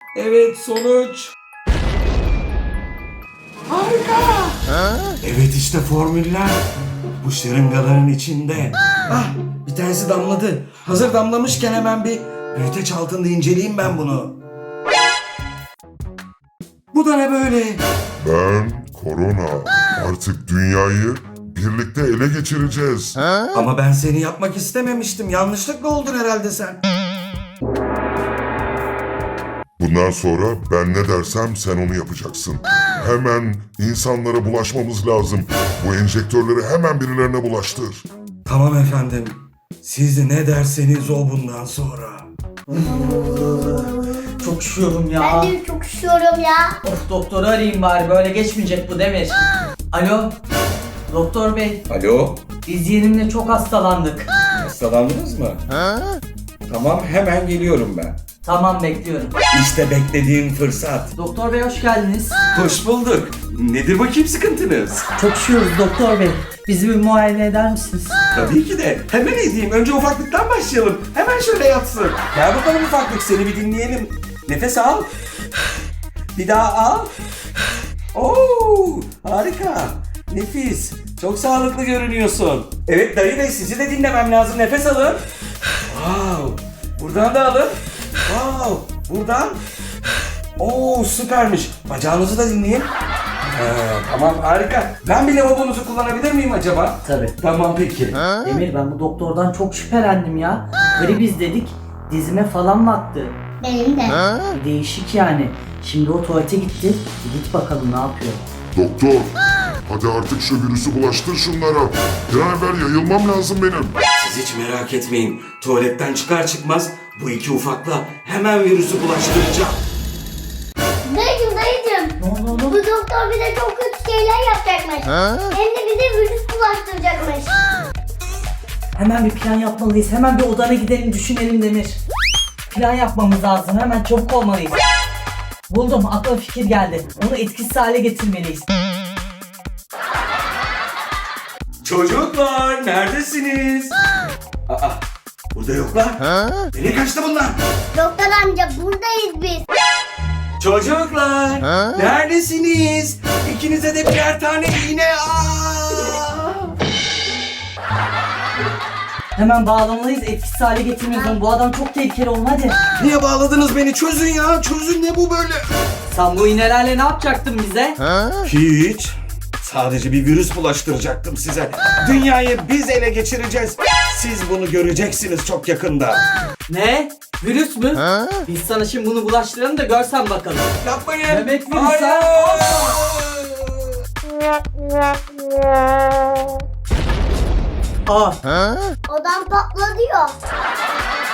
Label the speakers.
Speaker 1: Evet, sonuç. Harika. Evet, işte formüller. Bu şırıngaların içinde. Ah, bir tanesi damladı. Hazır damlamışken hemen bir büyüteç altında inceleyeyim ben bunu. Bu da ne böyle?
Speaker 2: Ben Korona. Artık dünyayı birlikte ele geçireceğiz.
Speaker 1: Ama ben seni yapmak istememiştim. Yanlışlıkla oldun herhalde sen.
Speaker 2: Bundan sonra ben ne dersem sen onu yapacaksın. Hemen insanlara bulaşmamız lazım. Bu enjektörleri hemen birilerine bulaştır.
Speaker 1: Tamam efendim. Siz ne derseniz o bundan sonra.
Speaker 3: Çok üşüyorum ya.
Speaker 4: Ben de çok üşüyorum ya.
Speaker 3: Of, doktoru arayayım bari, böyle geçmeyecek bu Demir. Alo, doktor bey,
Speaker 1: Alo,
Speaker 3: biz yeğenimle çok hastalandık.
Speaker 1: hastalandınız mı? Tamam, hemen geliyorum ben.
Speaker 3: Tamam, bekliyorum.
Speaker 1: İşte beklediğim fırsat.
Speaker 3: Doktor bey hoş geldiniz.
Speaker 1: Hoş bulduk. Nedir bakayım sıkıntınız?
Speaker 3: Çok üşüyoruz doktor bey. Bizi bir muayene eder misiniz?
Speaker 1: Tabii ki de. Hemen edeyim. Önce ufaklıktan başlayalım. Hemen şöyle yatsın. Gel bakalım ufaklık, seni bir dinleyelim. Nefes al. Bir daha al. Oo, harika. Nefis. Çok sağlıklı görünüyorsun. Evet dayı bey, sizi de dinlemem lazım. Nefes alın. Wow. Buradan da alın. Wow. Buradan. Oo, süpermiş. Bacağınızı da dinleyin. Tamam, harika. Ben bir lavabonuzu kullanabilir miyim acaba?
Speaker 3: Tabii.
Speaker 1: Tamam peki.
Speaker 3: Demir, ben bu doktordan çok şüphelendim ya. Gribiz dedik, dizime falan baktı.
Speaker 4: Benim de.
Speaker 3: Bir değişik yani. Şimdi o tuvalete gitti. Git bakalım ne yapıyor.
Speaker 2: Doktor, hadi artık şu virüsü bulaştır şunlara. Bir an evvel yayılmam lazım benim.
Speaker 1: Siz hiç merak etmeyin. Tuvaletten çıkar çıkmaz bu iki ufakla hemen virüsü bulaştıracağım.
Speaker 4: Dayıcım.
Speaker 3: Ne oldu
Speaker 4: Bu
Speaker 3: oğlum?
Speaker 4: doktor bize çok kötü şeyler yapacakmış. Hem de bize virüs bulaştıracakmış.
Speaker 3: Hemen bir plan yapmalıyız. Hemen bir odana gidelim, düşünelim Demir. Plan yapmamız lazım. Hemen çabuk olmalıyız. Buldum. Aklıma fikir geldi. Onu etkisiz hale getirmeliyiz.
Speaker 1: Çocuklar neredesiniz? Aa, burada yoklar. Nereye kaçtı bunlar?
Speaker 4: Doktor amca buradayız biz.
Speaker 1: Çocuklar neredesiniz? İkinize de birer tane iğne.
Speaker 3: Hemen bağlamalıyız. Etkisiz hale getirmeliyiz onu. Bu adam çok tehlikeli oğlum, hadi.
Speaker 1: Niye bağladınız beni? Çözün ya. Çözün, ne bu böyle?
Speaker 3: Sen bu iğnelerle ne yapacaktın bize?
Speaker 1: Hiç. Sadece bir virüs bulaştıracaktım size. Dünyayı biz ele geçireceğiz. Siz bunu göreceksiniz çok yakında.
Speaker 3: Ne? Virüs mü? Biz sana şimdi bunu bulaştıralım da görsen bakalım.
Speaker 1: Yapmayın.
Speaker 3: Bebek virüsü.
Speaker 1: Hayır.
Speaker 3: Aa,
Speaker 4: Odam patladı ya.